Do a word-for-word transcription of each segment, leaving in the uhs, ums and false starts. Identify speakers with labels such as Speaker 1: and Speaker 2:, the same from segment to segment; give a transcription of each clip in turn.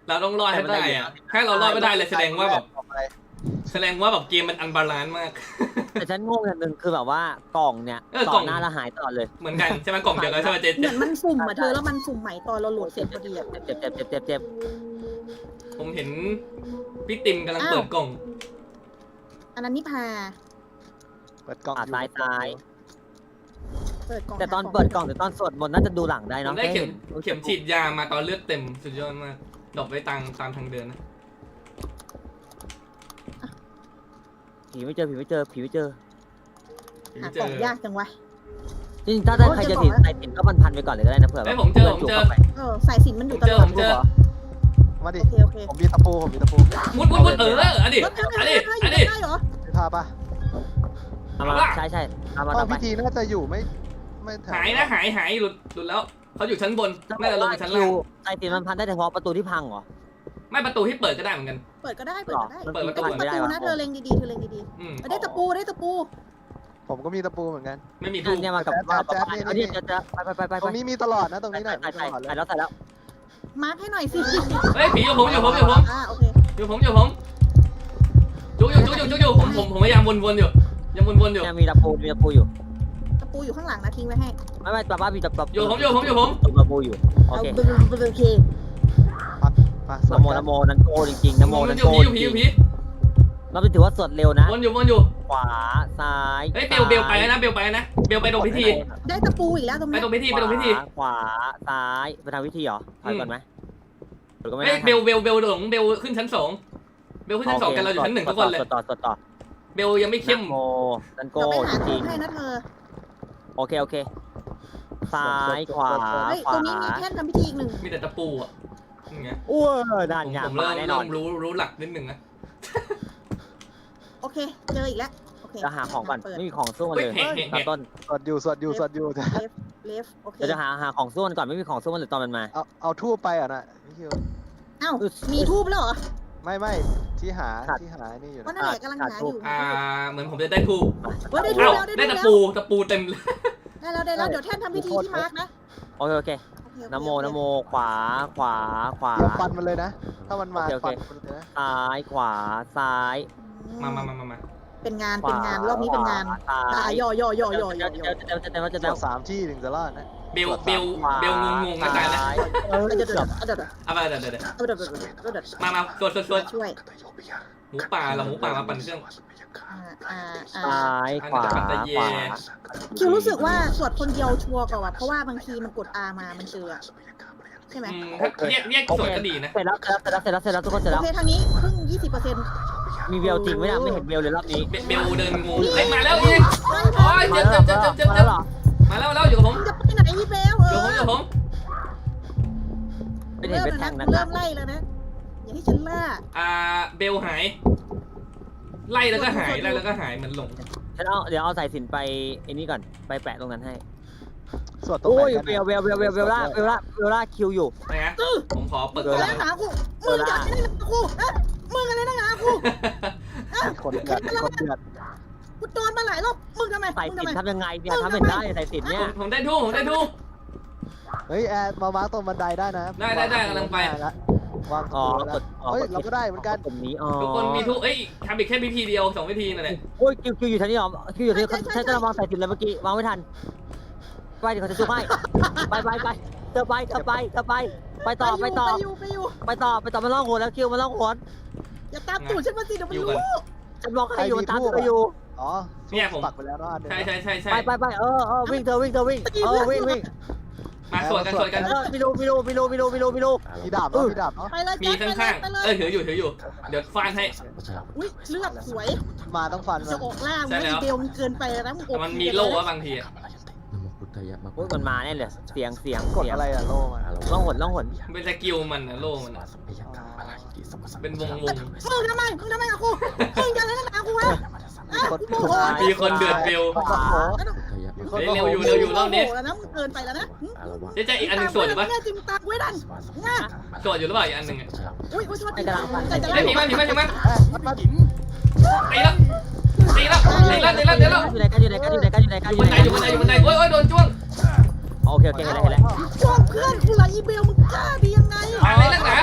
Speaker 1: เราต้องรอดให้ได้อะถ้าเรารอดไม่ได้เลยแสดงว่าแบบแสดงว่าแบบเกมมันอันบาลานซ์มาก
Speaker 2: แต่ฉันงงอย่างหนึ่งคือแบบว่ากล่องเนี่ยกล่องหน้าละหายตลอดเลย
Speaker 1: เหมือนกันใช่ไหมกล่องเดียวกันใช่ไหมเจ๊
Speaker 3: เหมือนมันสุ่มอ่ะเธอแล้วมันสุ่มใหม่ตอนเราโหลดเสร็จพอดีอ่ะ
Speaker 2: เจ็บเจ็บเจ็บเจ็บเจ็บ
Speaker 1: ผมเห็นพี่ติมกำลังเปิดกล่อง
Speaker 3: อันนั้นนิพา
Speaker 4: เปิดกล่อง
Speaker 2: ซ้ายซ้าย
Speaker 3: เปิดกล่อง
Speaker 2: แต่ตอนเปิดกล่องแต่ตอนสวดมนต์น่าจะดูหลังได้เนาะ
Speaker 1: ได้เข็มเข็มฉีดยามาตอนเลือดเต็มสุดยอดมากดรอปไว้ตามตามทางเดินนะ
Speaker 2: ผีไม่เจอผีไม่เจอผีไม่เจอ
Speaker 3: หากล่องยากจังวะ
Speaker 2: จริงๆถ้าได้ใครจะถือใส่ตินก็พันพันไปก่อนเลยก็ได้นะเผื่อแบบ
Speaker 1: ผมเจอผมเจอ
Speaker 3: เออสายสินมันอยู่ตลอด
Speaker 1: ผมเจอ
Speaker 4: มาดิ
Speaker 3: โอเคโอเค
Speaker 4: ผมมีตะปูผมมีตะปู
Speaker 1: มุดมุดมุดเอออันนี้อันนี้อันนี้
Speaker 3: ได้เหรอ
Speaker 4: มีท่าปะ
Speaker 2: ใช่ใช่
Speaker 4: ห้องพิธีน่าจะอยู่ไม่ไม่
Speaker 1: หายนะหายหายหลุดหลุดแล้วเขาอยู่ชั้นบนน่าจะลงชั้นล่าง
Speaker 2: ใส่ตินมันพันได้เฉพาะประตูที่พังเหรอ
Speaker 1: ไม่ประตูที่เปิดก็ได้เหมือนกัน
Speaker 3: เปิดก็ได้เปิดก็ได้
Speaker 1: เปิดประตู
Speaker 3: ประตูนะเธอเล็งดีๆเธอเล็งดีๆได้ตะปูได้ตะปู
Speaker 4: ผมก็มีตะปูเหมือนกัน
Speaker 1: ไม่มีทูบ
Speaker 2: เนี่ยมากับแจ๊ดเนี่ยนี่จะจะไปไปไปไป
Speaker 4: ตรงนี้มีตลอดนะตรงนี้หน่อย
Speaker 2: ใส่ใส่แล้วใส่แล้ว
Speaker 3: มาร์คให้หน่อยสิ
Speaker 1: เฮ้ยผีอยู่ผมอยู่ผมอยู่ผม
Speaker 3: อ่าโอเค
Speaker 1: อยู่ผมอยู่ผมจุกอยู่จุกอยู่จุกอยู่ผมผมผมพยายามวนๆอยู่ยังวนๆอยู่
Speaker 2: มีตะปูมีตะปูอยู่
Speaker 3: ตะปูอยู่ข้างหลังนะทิ้งไว้ให้
Speaker 2: ไม่ไม่ตะป้ามีตะปู
Speaker 1: อยู่ผมอยู่ผมอยู่ผม
Speaker 2: ตะปูอยู่โอเค
Speaker 3: โอเค
Speaker 2: นโมนโมนันโกจริงๆนโมนันโกจริงๆเราไปถือว่าสวดเร็วนะ
Speaker 1: วนอยู่วนอยู่
Speaker 2: ขวาซ้าย
Speaker 1: เฮ้ยเบลเบลไปนะเบลไปนะเบลไปตรงพิธี
Speaker 3: ได้ตะปูอีกแล้วตรงนี้
Speaker 1: ไปตรงพิธีไปตรงพิธี
Speaker 2: ขวาซ้ายไปทางพิธีเหรอถอยก่อนไหม
Speaker 1: เฮ้ยเบลเบลเบลหลงเบลขึ้นชั้นสองเบลขึ้นชั้นสองกันเราอยู่ชั้นหนึ่งทุกคนเลย
Speaker 2: ต่อต่อต่อ
Speaker 1: เบลยังไม่เข้ม
Speaker 2: โมนันโกจริง
Speaker 3: ให้นะเธอ
Speaker 2: โอเคโอเคซ้ายขวา
Speaker 3: ขวาตรงนี้มีแท่นทำพิธีอีกหนึ่ง
Speaker 1: มีแต่ตะปูอ่ะนี่ไง
Speaker 2: อ้วนด่านยา
Speaker 1: ผมเริ่มเริ่มรู้รู้หลักนิดหนึ่งนะ
Speaker 3: โอเคเจออีกแล้วโอเค
Speaker 2: จะหาของก่อนไม่มีของสู้มันเลยตอนต้น
Speaker 4: สวดอยู่สวดอยู่สวดอยู่
Speaker 3: เลฟเลฟโอเค
Speaker 2: จะหาหาของสู้มันก่อนไม่มีของสู้มันเลยตอนมันมา
Speaker 4: เอาเอาทูบไปอ่ะนะพี่คิว
Speaker 3: อ้าวมีทูบแล้วเหรอ
Speaker 4: ไม่ไม่ที่หาที่หานี่อยู่
Speaker 3: นะนั่นแหละกำลังหาอยู่
Speaker 1: อ่าเหมือนผมจะได้ทูบ
Speaker 3: ได้ทูบแล้ว
Speaker 1: ได้ตะปูตะปูเต็มเลย
Speaker 3: ได้แล้วได้แล้วเดี๋ยวแท่นทำพิธีที่มาร์กนะ
Speaker 2: โอเคโอเคนโมนโมขวาขวาขวา
Speaker 4: เดี๋ยวฟันมันเลยนะถ้ามันมาฟันมันเลยนะ
Speaker 2: ซ้ายขวาซ้าย
Speaker 1: มามามามา
Speaker 3: เป็นงานเป็นงานรอบนี้เป็นงานตายย่อย่อย่อย่อย่อ
Speaker 2: จะจะจะจะจะจะ
Speaker 4: สามที่ถึงจะรอดนะ
Speaker 1: เบลเบลเบลงงงอาจารย์นะ
Speaker 3: เออเดี๋ยวเดี๋ยวเดี๋ยว
Speaker 1: เอาไปเดี๋ยวเดี๋ยวเดี๋ยวมามาตรวจตรวจตรวจ
Speaker 3: ช่วย
Speaker 1: หมูป่าเราหมูป่ามาปั่นเครื่อง
Speaker 2: ซ้ายขวาขวา
Speaker 3: คิวรู้สึกว่าสวดคนเดียวชัวร์กว่าเพราะว่าบางทีมันกด R มามันเจอใช่ไหม
Speaker 1: เรียกเรียกสวดก็ดีนะ
Speaker 2: เสร็จแล้วเสร็จแล้วเสร็จแล้วเสร็จแล้วทุกคนเสร็จแล้ว
Speaker 3: โอเคทางนี้เพิ่งยี่สิบเปอร์เซ็นต์
Speaker 2: มีเบลจริงไหมนะไม่เห็นเบลเลยรอบนี้
Speaker 1: เบลเดินงูเฮ้ยมาแล้วอีกโอ้ยเจ็บเจ็บเจ็บเจ็บเจ็บเจ็บมาแล้วแล้วอยู่กับผม
Speaker 3: จะไปไหนพี่เบลเออ
Speaker 1: อยู่ผม
Speaker 2: อยู่ผมไม่เห็นเป็นแทงนะ
Speaker 3: เริ่มไล่แล้วนะอย่าให้ฉันล่า
Speaker 1: อ่าเบลหายไล่แล้วก็หายไล่แล้วก็หายเหมือนหลง
Speaker 2: ฉันเอาเดี๋ยวเอาสายสิญจน์ไปไอ้นี่ก่อนไปแปะตรงนั้นให้
Speaker 4: สวดตรงไหนกัน
Speaker 2: เบลเบลเบลเบลเบลล่าเบลล่าเบลล่าคิวอยู่
Speaker 1: นะผมขอเปิด
Speaker 3: ก่อนแล้วหนากูมึงอยากได้หนากูมึงอะไรนักหนากู
Speaker 4: คนเดือดคนเดือด
Speaker 3: กูโดนมาหลายรอบมึงทำไม
Speaker 2: สายสิญจน์ทำยังไงเนี่ยทำเป็นได้สายสิญจน์เนี่ย
Speaker 1: ผมได้ทูผมได้ทู
Speaker 4: เฮ้ยแอดมามาตรงบันไดได้นะ
Speaker 1: ได้ได้ได้กำลังไป
Speaker 4: วางอ๋อเฮ้ยเราก็ได้เหมือนกัน
Speaker 2: ตรงนี้อ๋อ
Speaker 1: ทุกคนมีทูเอ้ยทำอีกแค่วิธีเดียวสองวิธีนั่นแหละ
Speaker 2: โอ้ยคิวคิวอยู่ท่านี้หรอคิวอยู่ที่ใช้จะมองสายสิญจน์เลยเมื่อกี้วางไม่ทันไปเดี๋ยวเขาจะช่วยให้ไปไปไปเธอไปเธอไปเธอไปไปต่อไปต่อไปต่อไปต่อมาล่องหัวแล้วคิวมาล่องหัว
Speaker 3: อย่าตามตูดฉันมาสิเดี๋ยวมันรู้
Speaker 2: ฉันบอกใครอยู่มันตามเธออยู่
Speaker 4: อ๋อ
Speaker 1: เนี่ยผม
Speaker 4: ปักไปแล้วรอด
Speaker 1: ใช่ใช่ใช่ใช่
Speaker 2: ไปไปไปเออเออวิ่งเธอวิ่งเธอวิ่งเออวิ่งวิ่ง
Speaker 1: มาสวดกันสวดกัน
Speaker 2: มิโลมิโลมิโลมิโลมิโลมิโล
Speaker 4: มีดาบเนาะมีดาบเนาะ
Speaker 1: มีข้างๆเออถืออยู่ถืออยู่เดี๋ยวฟาดให้
Speaker 3: อุ้ยเลือดสวย
Speaker 4: มาต้องฟัน
Speaker 3: จะออกล่างไม่เบลมันเกินไปแล้ว
Speaker 1: มันมีโล่บางที
Speaker 2: โอ้ยมันมาแน่เลยเสียงเสียง
Speaker 4: กดอะไรอะโล่มา
Speaker 2: ล่องหนล่องหน
Speaker 1: เป็นสกิลมันนะโล่มันเป็นวงวง
Speaker 3: มึงทำไมมึงทำไมกับกูมึงจะอะไรกับกูวะ
Speaker 1: มีคนเดือดเบลเร็วอยู่เร็วอยู่รอบนี้
Speaker 3: แล้วนะมึงเกินไปแล้วนะ
Speaker 1: เจ๊อีกอันนึงสวดอยู่ปะ
Speaker 3: จิมตาไว้ดันง่า
Speaker 1: สวดอยู่หรือเปล่าอีกอันนึง
Speaker 3: อุ้ยอุ้ยชด
Speaker 2: ไอ้กระลังฟัน
Speaker 1: ไอ้ผีมาผีมาผีมาตีแล้วตีแล้วตีแล้วตีแล้วตีแล้ว
Speaker 2: อยู่ไหนกันอยู่ไหนกันอยู่ไหนกันอยู่ไหนกันอยู่ไหน
Speaker 1: อยู่บนไหนอยู่บนไหนโอ้ยโอ้ยโดนจ้วง
Speaker 2: โอเคโอเคเห็นแล้วเห็นแล้ว
Speaker 3: จ้วงเพื่อนกูไหลอีเบลมึงกล้าดียังไง
Speaker 1: อะไรนักหนา
Speaker 3: จ้วง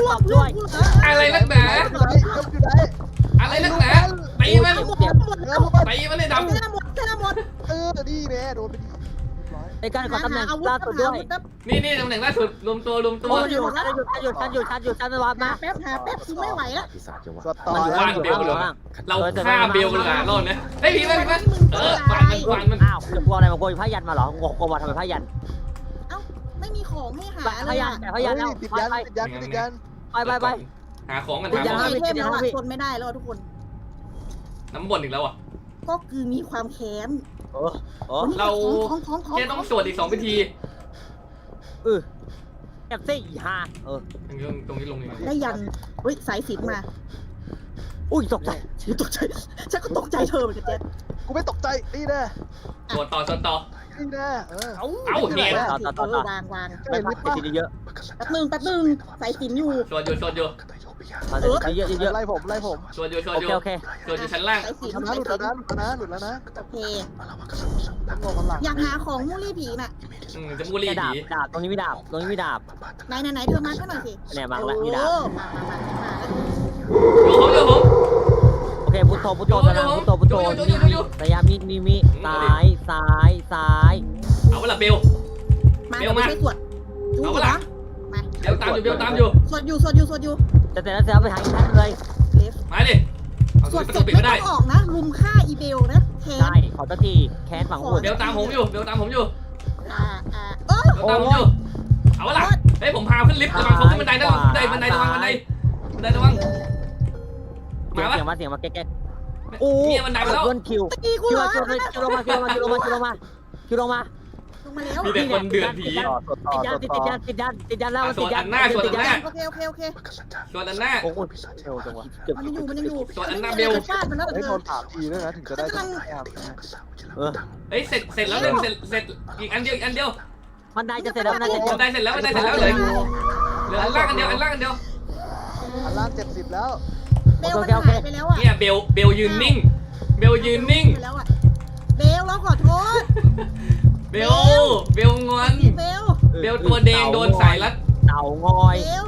Speaker 2: ตบด้วย
Speaker 1: อะไรนักหนา
Speaker 4: อยู่ไหนอยู่ไหน
Speaker 1: อะไรนักหนาตีมัน
Speaker 3: หมดหมด
Speaker 4: เอ
Speaker 3: แล้
Speaker 4: อ
Speaker 3: ว
Speaker 4: พวกมัน
Speaker 1: ตีมันเลยดำ
Speaker 3: แค่หมดแค่หมด
Speaker 4: เออดีแม่โดนไปดีร้อย
Speaker 2: ในการขอตำแหน่ง
Speaker 3: อาวุธ
Speaker 2: ล่าสุดด้วย
Speaker 1: นี่นี่ตำแหน่งล่าสุดรวมตัวรวมตัว
Speaker 2: โอ้ยอยู่ชันอยู่ชันอยู่ชันอยู่ชันอยู่ชันไม่วัด
Speaker 3: หา
Speaker 2: นะ
Speaker 3: แป๊บหาแป๊บคือไม่ไหวแล้ว
Speaker 4: สวดต่อ
Speaker 2: มันอยู่
Speaker 4: แล้
Speaker 2: ล่าว งอยู่ล่างอยู่ล่าง
Speaker 1: เราฆ่าเบลกันหลายรอบนะเฮ้ยผีมันผีมันเออฟันมันฟันมัน
Speaker 2: อ้าวจะกลัวอะไรมาโกยผ้ายันมาเหรองงกลัวมาทำไมผ้ายัน
Speaker 3: เอ้าไม่มีของให้หาเล
Speaker 2: ผ้าย ยัน
Speaker 3: อ่ะ
Speaker 2: แต่ผ้ายันแล้ว
Speaker 4: ติด
Speaker 2: ไป
Speaker 4: ยัน
Speaker 2: ไป
Speaker 4: ติดยันติดยัน
Speaker 2: ไปไปไป
Speaker 1: หาของกัน
Speaker 2: ติด
Speaker 1: หา
Speaker 2: ยั
Speaker 1: ข
Speaker 2: น
Speaker 1: อง
Speaker 2: ห้า
Speaker 3: ไอ
Speaker 2: วิ
Speaker 3: เทม
Speaker 2: ติดยัน
Speaker 3: แล้ว
Speaker 2: ห้า
Speaker 3: อ่ะ
Speaker 2: วิ
Speaker 3: ทนไม่ได้แล้วทุกคน
Speaker 1: น้ำบ่นอีกแล้วอ่ะ
Speaker 3: ก็คือมีความแค้น
Speaker 2: โอ้โอ้
Speaker 1: เรา
Speaker 3: ของของของ
Speaker 1: แค่ต้องสวดอีกสองพิธี
Speaker 2: เออแอบซี่ฮ่าเออ
Speaker 1: ตรงนี้ตรงนี้ลงยังไง
Speaker 3: ได้ยันเฮ้ยสายสิญจนมา
Speaker 2: อุ้ยตกใจ
Speaker 3: ฉันตกใจฉันก็ตกใจเธอเหมือนกันเจ๊
Speaker 4: กูไม่ตกใจนี่แน่
Speaker 1: สวดต่อสวดต่อ
Speaker 4: นี่แน่เออ
Speaker 1: เอ้าเนี่ย
Speaker 2: ต่อต่อต่อต่อ
Speaker 3: วางวาง
Speaker 2: ไม่พักติดเยอะ
Speaker 3: แป๊บนึงแป๊บนึงสายสิญจนอยู่
Speaker 1: สวดอยู่สวดอยู่
Speaker 2: มาเยอะเยอะ
Speaker 4: ไล่ผมไล่ผม
Speaker 1: สวดอยู่สวด
Speaker 2: โอ
Speaker 1: อ
Speaker 2: เค
Speaker 1: ยู่
Speaker 2: โอเค
Speaker 1: สวดอยู่ชั้นล่าง
Speaker 3: สายสิญจ
Speaker 4: ช
Speaker 3: น
Speaker 4: นะ
Speaker 3: สา
Speaker 4: ห
Speaker 3: ย
Speaker 4: ลุด
Speaker 3: สิ
Speaker 4: แล้ว
Speaker 3: ญจ
Speaker 4: นะ
Speaker 3: น
Speaker 4: หลุดแล้วนะหลุดแล้วนะ
Speaker 3: โอเค
Speaker 4: ต้องงงมันหลัง
Speaker 3: อยากหาของมูลี่ผีน่ะ
Speaker 1: อืมจะมูรี
Speaker 2: ดาบ
Speaker 1: ผี
Speaker 2: ดาบตรงนี้มีดาบตรงนี้มีดาบ
Speaker 3: ไหนไหนไหนเธอมาก็หน่อยสิ
Speaker 2: เนี่ยมาแล้วมีดาบ
Speaker 3: โอ้มามามามา
Speaker 1: อยู่ผมอยู่ผม
Speaker 2: โอเคพุทโธพุทโธตะนังพุทโธพุทโธมีมีระยะมีมีมีซ้ายซ้ายซ้าย
Speaker 1: เอาเวลาเบล
Speaker 3: มา
Speaker 1: เบล
Speaker 3: มา
Speaker 1: มา
Speaker 3: ช่วยสวดจู
Speaker 1: เอา
Speaker 3: เห
Speaker 1: เว
Speaker 3: ร
Speaker 1: ลา
Speaker 3: อมา
Speaker 1: เบลตามอยู่เบลตามอยู่
Speaker 3: สวดอยู่สวดอยู่สวดอยู่
Speaker 2: จะเสร็จแล้วเสร็จแล้วไปหาอีกท่านเลย
Speaker 3: เลฟ
Speaker 1: มาดิเอา
Speaker 3: สวด
Speaker 1: ประ
Speaker 3: เส
Speaker 1: ตู
Speaker 3: ร็จ
Speaker 1: ปิด
Speaker 3: ไม่
Speaker 1: ไม่
Speaker 3: ต้
Speaker 1: ได้
Speaker 3: องออกนะลุมฆ่าอีเบลนะแค้น
Speaker 2: ใช่ขอตะทีแค้นฝังหุ่น
Speaker 1: เบลตามผมอยู่เบลตามผมอยู่
Speaker 3: อ่าอ่าเออ
Speaker 1: เบลตามผมอยู่เอาเวลาเฮ้ยผมพาขึ้นลิฟต์ระวังเขาขึ้นบันไดนะระวังบันไดบันไดระวังบันไดบันไดระวังมาปะ
Speaker 2: เสียงมาเสียงมาแก๊กโอ้
Speaker 1: เนี่ยบันไดมาแล้ว
Speaker 2: เพื่อนคิว
Speaker 3: ตะกี้กู
Speaker 2: คิว
Speaker 3: เหรอ
Speaker 2: คิวคิวลงมาคิวลงมาคิวลงมาคิวลงมาคิวลงมา
Speaker 3: ลงมาแล้ว
Speaker 1: มีแต่คนเดือดผี
Speaker 4: ต่อสวดต่อ
Speaker 2: ติด
Speaker 4: ส
Speaker 2: ยั
Speaker 4: วน ด
Speaker 2: ติด
Speaker 4: ต่อ
Speaker 2: ยันติดยันติดยันแล้วติดยันติดยัน
Speaker 3: โอเคโอเคโอเค
Speaker 1: สวดอันหน้า
Speaker 2: โอ้โหเร็วจังวะเกือบ
Speaker 3: มันยังอยู่มันยังอยู่
Speaker 1: สวดอันหน้าเบล
Speaker 3: ฟาดมันแล้วแต่
Speaker 4: ให้
Speaker 3: เธ
Speaker 4: โด
Speaker 3: อน
Speaker 4: ถามทีด้วยนะถึงจะได้จะแอม
Speaker 2: เออ
Speaker 1: เฮ้ยเสร็จเสร็จแล้วหนึ่งเสร็จเสร็จอีกอันเดียวอีกอันเดียว
Speaker 2: มันได้จะเสร็จแล้วมันได้จะเสร็
Speaker 1: บั
Speaker 2: จ
Speaker 1: นไดเสร็จแล้วบันไดเสร็จแล้วเลยเหลืออันล่างอันเดียวอันล่างอันเดียว
Speaker 4: อันล่างเจ็ดสิบแล้ว
Speaker 3: เบลมันหายไปแล้วอ่ะ
Speaker 1: เนี่ยเบลเบลยืนนิ่งเบลยืนนิ่ง
Speaker 3: ไปแล้วอ่ะเบลเราขอโทษ
Speaker 1: เบลเบลงอน
Speaker 3: เบล
Speaker 1: เบลตัวแดงโดนสายรัด
Speaker 2: เต่างอย
Speaker 3: เบล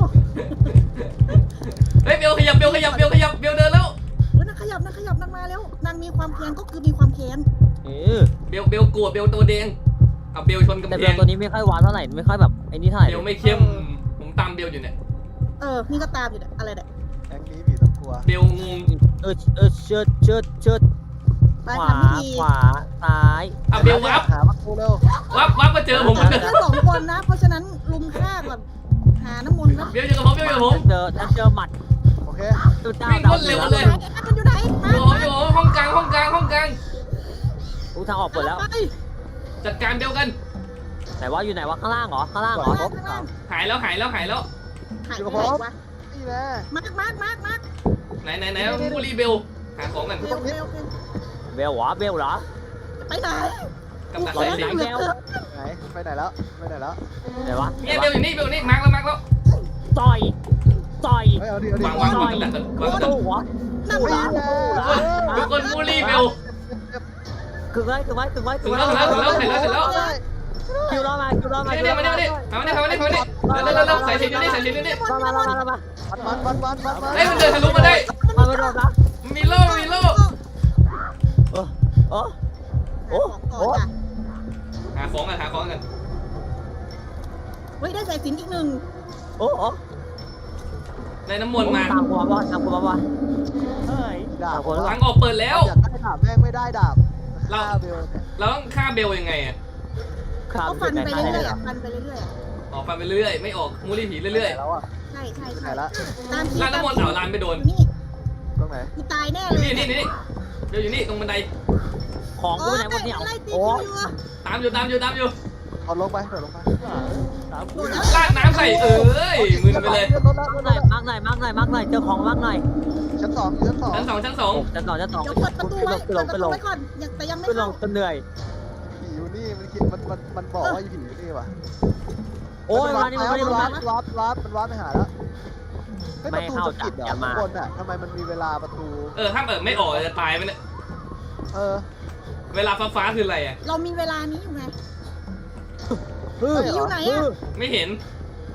Speaker 1: เฮ้ยเบลขยับเบลขยับเบลขยับเบลเดินแล้ว
Speaker 3: เฮ้ยนางขยับนางขยับนางมาแล้วนางมีความแค้นก็คือมีความแค้น
Speaker 2: เออ
Speaker 1: เบลเบลกลัวเบลตัวแดงเอาเบลชนกำ
Speaker 2: แต่
Speaker 1: แพ
Speaker 2: เบล
Speaker 1: ง
Speaker 2: ตัวนี้ไม่ค่อยหวานเท่าไหร่ไม่ค่อยแบบไอ้นี่เท่าไหร่
Speaker 1: เบลไม่เข้มผมตามเบลอยู่เนี่ย
Speaker 3: เออนี่ก็ตามอยู่เนี่ยอะไรเนี่ย
Speaker 4: แองนี้ผีต้องกลัว
Speaker 1: เบลงง
Speaker 2: เออเออเชิดเชิดเชิด
Speaker 3: ไป
Speaker 2: ขวา
Speaker 3: ทำพิธี
Speaker 2: ขวาซ้าย
Speaker 1: อ่ะเบลวับ
Speaker 4: หามาคูเร็ว
Speaker 1: วับวับมาเจอผมเหมือนเดิม
Speaker 3: แค่สองคนนะ เพราะฉะนั้นลุมฆ่าก่อนหาน้ำมนต์นะ
Speaker 1: เบลอยู่กับผมเบลอยู่กับผม
Speaker 2: เจอฉันเจอหมัด
Speaker 4: โอเค
Speaker 2: ตัวเจ้า
Speaker 1: วิ่งรวดเร็วเลย
Speaker 3: ไหนมันอยู่ไหนมา
Speaker 1: อยู่ผมอยู่ผมห้องกลางห้องกลางห้องกลาง
Speaker 2: อู้ทางออกเปิดแล้ว
Speaker 3: ไป
Speaker 1: จัดการเบลกัน
Speaker 2: ไหนว่าอยู่ไหนวะข้างล่างเหรอข้างล่างเหร
Speaker 3: ข้า
Speaker 2: อง
Speaker 3: ล่างข้างล่าง
Speaker 1: หายแล้วหายแล้วหายแล้ว
Speaker 3: หายไปไหนวะ
Speaker 4: นี่แน่
Speaker 3: มาร์กมาร์กมาร์กมาร์ก
Speaker 1: ไหนไหนไหนมูรีเบลหาของกัน
Speaker 3: เบลเบลเบล
Speaker 2: เบลวะเบลเหรอ
Speaker 3: ไปไหน
Speaker 1: กับดักสายสิญ
Speaker 2: ไหน
Speaker 1: จน
Speaker 2: เบล
Speaker 4: ไหนไปไหนแล้วไปไหนแล้ว
Speaker 2: ไหนวะ
Speaker 1: เนี่ยเบลอยู่นี่เบลอยู่นี่มาร์กแล้วมาร์กแล้ว
Speaker 2: ต่อยต่อย
Speaker 4: เฮ้ยเอาดิเอาดิ
Speaker 1: วางวางวางกับดักกันวางกับดัก
Speaker 2: โอ้โห
Speaker 3: นั่ง
Speaker 4: นี่
Speaker 3: ร้าน
Speaker 4: แน่
Speaker 1: ทุกคนมูรีเบล
Speaker 2: ถึงไว้ถึงไว้ถึงไว้
Speaker 1: ถึงแล้วถึงแล้วถึงแล้วเสร็จแล้วเสร็จแล้ว
Speaker 2: คิวรอมาคิวรอมา
Speaker 1: มาเนี่ยมาเนี่ยมาเนี่ยมาเนี่ยมาเนี่ยมาเนี่ยเร็วเร็วเร็วใส่ชิ้นนี้ใส่ชิ้นนี้
Speaker 2: มามามามามา
Speaker 4: มันมันมันมันมัน
Speaker 1: เฮ้ยมันเดินทะลุมาได้
Speaker 2: มาไม่โดนนะ
Speaker 1: มีโล่มีโล่
Speaker 2: โอ้โอ้โอ้
Speaker 3: โอ้
Speaker 2: โอ้
Speaker 1: หาของกันหาของกัน
Speaker 3: เฮ้ยได้สายสิญจนอีกหนึ่ง
Speaker 2: โอ้โอ้
Speaker 1: ในน้ำมนต์มา
Speaker 2: ตามกูมาบ่ตามกูมาบ่เฮ้ย
Speaker 4: ดา
Speaker 2: ตา
Speaker 4: บ
Speaker 2: มกูแล้ว
Speaker 1: ทางออกเปิดแล้ว
Speaker 4: อยากได้ดาบแม่งไม่ได้ดาบฆ่าเบลเนี่ย
Speaker 1: เราต้องฆ่าเบลยังไงอ่ะ
Speaker 2: ข้า
Speaker 3: เขา
Speaker 2: ม
Speaker 3: ฟัน
Speaker 2: ไป
Speaker 3: ไป
Speaker 2: ไหน
Speaker 3: เรื่อยๆอ่ะฟันไปเรื่อยๆอ่ะ
Speaker 1: ออกฟันไปเรื่อยไม่ออกมูรีผีเรื่อย
Speaker 4: แล้วอ่ะ
Speaker 3: ใช่ใช่
Speaker 4: ไหน
Speaker 3: ใช่
Speaker 4: ละ
Speaker 3: ตามที่
Speaker 1: ๆลานน้ำมนต์เอาลานไปโดน
Speaker 3: นี่
Speaker 4: ตรงไหน
Speaker 3: กูตายแน่
Speaker 1: อ
Speaker 3: เล
Speaker 1: ยู่
Speaker 3: ย
Speaker 1: นี่นี่นี่เบลอยู่นี่ตรงบันได
Speaker 2: ของกูไหนหมดเนี่ย
Speaker 3: ไล่ตี
Speaker 2: โอ้
Speaker 3: กูอยู่อ่ะ
Speaker 1: ตามอยู่ตามอยู่ตามอยู่
Speaker 4: เอาลงไปเดี๋ยวลงไป
Speaker 3: โดนแล้ว
Speaker 1: ลาดน้ำใส่เอ้ยมึนไปเลย
Speaker 4: รถแล้วรถ
Speaker 2: หน่
Speaker 4: แล้
Speaker 2: อยว มากหน่อยมากหน่อยมากหน่อยเจอของมากหน่อย
Speaker 4: ชั้นสองชั้นสอง
Speaker 1: ชั้นสองชั้นสอง
Speaker 2: จะต่อจะต่อ
Speaker 3: เดี๋ยวเปิดประตูไว้
Speaker 2: ขึ้น
Speaker 3: เปิ
Speaker 2: ล
Speaker 3: ด
Speaker 2: ง
Speaker 3: ประ
Speaker 2: ขึ้น
Speaker 3: ตู
Speaker 2: ลง
Speaker 3: ไว้ก่อนยังแต่ยังไม่
Speaker 2: ขึ้นล
Speaker 3: เข้าง
Speaker 2: จนเหนื่อย
Speaker 4: ผีอยู่นี่มันคิดมันมันมันบอกว่าผีอยู่นี่ว่ะ
Speaker 2: โอ้ยมานี่มานี่
Speaker 4: มัน
Speaker 2: มา
Speaker 4: วัด
Speaker 2: นี่
Speaker 4: วัดวัดมันวัดไปหาแล้วเฮ้ย
Speaker 2: ไม่
Speaker 4: ประตู
Speaker 2: เข้า
Speaker 4: จะปิดเหรอ
Speaker 2: จับอย่ามา
Speaker 4: ข้างบนอ่ะทำไมมันมีเวลาประตู
Speaker 1: เออถ้าเปิดไม่ออกจะตายไปเนี่ย
Speaker 4: เออ
Speaker 1: เวลาฟ้าฟ้าคืออะไรอ่ะ
Speaker 3: เรามีเวลานี้อยู่ไง
Speaker 2: ฮึ
Speaker 3: อยู่ไหนอะ
Speaker 1: ไม่เห็น
Speaker 2: ฮ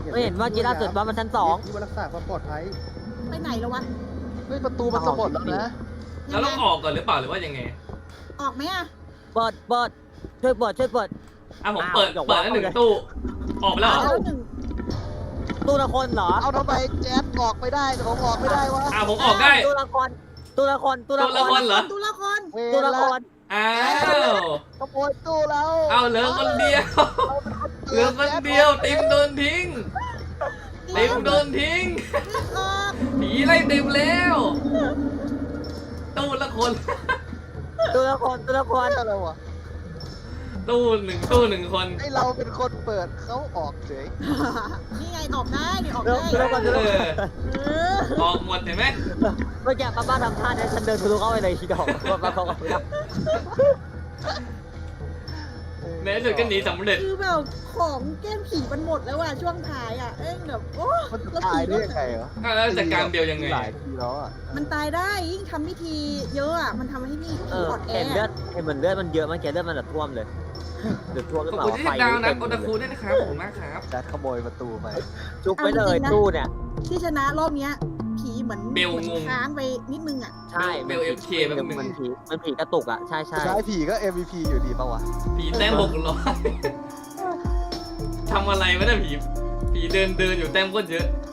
Speaker 2: ไม่เห็นว่ากีล่าสุดว่ามันชั้นสอง
Speaker 4: ที่ว่ารักษาความปลอดภัย
Speaker 3: ไปไหนแล้ววะ
Speaker 4: เฮ้ยประตูมันจะหมดแล้วนะ
Speaker 1: แล้วเราออกก่อนหรือเปล่าหรือว่ายังไง
Speaker 3: ออกไหมอ่ะ
Speaker 2: เปิดเปิดช่วยเปิดช่วยเปิด
Speaker 1: อ่ะผมเปิดเปิดแล้วหนึ่งตู้ออกไปแล้วเหรอ
Speaker 3: แล้วหนึ่ง
Speaker 2: ตู้ละคนเหรอ
Speaker 4: เอาทำไมแจ๊ดออกไม่ได้แต่ผมออกไม่ได้วะ
Speaker 1: อ่ะผมออกได้
Speaker 2: ตู้ละคนตู้ละคนตู้ละ
Speaker 1: ตู้ละ
Speaker 2: ค
Speaker 1: คน นเหรอ
Speaker 3: ตัวละคร
Speaker 4: เว
Speaker 2: ตู้
Speaker 4: ร
Speaker 2: ละ
Speaker 4: ละ
Speaker 2: คน
Speaker 1: อ้าว
Speaker 4: ขโมยตู้แล้ว
Speaker 1: เอาเหลือคนเดียวเหลือคนเดียวติมโดนทิ้งติมโดนทิ้ง
Speaker 3: ออก
Speaker 1: ผีไล่ติมแล้วตู้ละคน
Speaker 2: ตู้ละคนตู้ละคน
Speaker 4: อะไรวะ
Speaker 1: ตู้หนึ่งตู้หนึ่งคน
Speaker 4: ให้เราเป็นคนเปิดเขาออกเฉย
Speaker 3: นี่ไงออกได้นี่ออก
Speaker 2: ตู้
Speaker 3: ได้
Speaker 2: ละคนตู้
Speaker 1: เอ
Speaker 2: ละคน
Speaker 1: อ
Speaker 3: เออ
Speaker 1: ออกหมดเห็นไหม
Speaker 2: เมื่อกี้ป้าป้าทำท่าเนี่ยฉันเดินทะลุเข้าไปเลยทีเดียวป้าป้าเขาก็ไม่ได้
Speaker 1: ในที่สุดก็หนีสำเร็จ
Speaker 3: คือแบบของแก้มผีมันหมดแล้วอ่ะช่วงท้ายอ่ะเอ้ยแบบโอ้
Speaker 4: มันจะ
Speaker 3: แล้ว
Speaker 4: ตาย
Speaker 3: ผี
Speaker 4: ได้
Speaker 3: ก็
Speaker 4: ยังไงเหรอ
Speaker 1: อ่ะแล้วจัดการเบลยังไง
Speaker 4: หลายทีแล้วอ่ะ
Speaker 3: มันตายได้ยิ่งทำพิธีเยอะอ่ะมันทำให้นี่
Speaker 2: เอ
Speaker 3: ผี
Speaker 2: อ
Speaker 3: อ่อนแอ
Speaker 2: เห็นเลือดเห็นเหมือนเลือดมันเยอะมันแกเลือดมันแบบท่วมเลยหรือท่วมหรือ
Speaker 1: ขอบ
Speaker 2: เปล่า
Speaker 1: คุณที่
Speaker 2: ไฟ
Speaker 1: ดาวนะ
Speaker 2: เต็ม
Speaker 1: โอตาคูด้วยนะครับขอบคุณมากครับ
Speaker 4: แจ๊ดขโมยประตูไป
Speaker 2: จุกไปเลยตู้เนี่ย
Speaker 3: ที่ชนะรอบเนี้ยผีเหมือน
Speaker 1: เบล
Speaker 3: หมือน
Speaker 1: งง
Speaker 3: ค้างไปนิดนึงอ่ะ
Speaker 2: ใช่
Speaker 1: เบล เอฟ เค แป๊บนึง
Speaker 2: มันผีมันผีกระตุกอ่ะใช่ใช่
Speaker 4: ใช้ผีก็ เอ็ม วี พี อยู่ดีปะวะ
Speaker 1: ผีแต้มหกร้อยทำอะไรวะเนี่ยผีผีเดินเดินอยู่แต้มก็เยอะ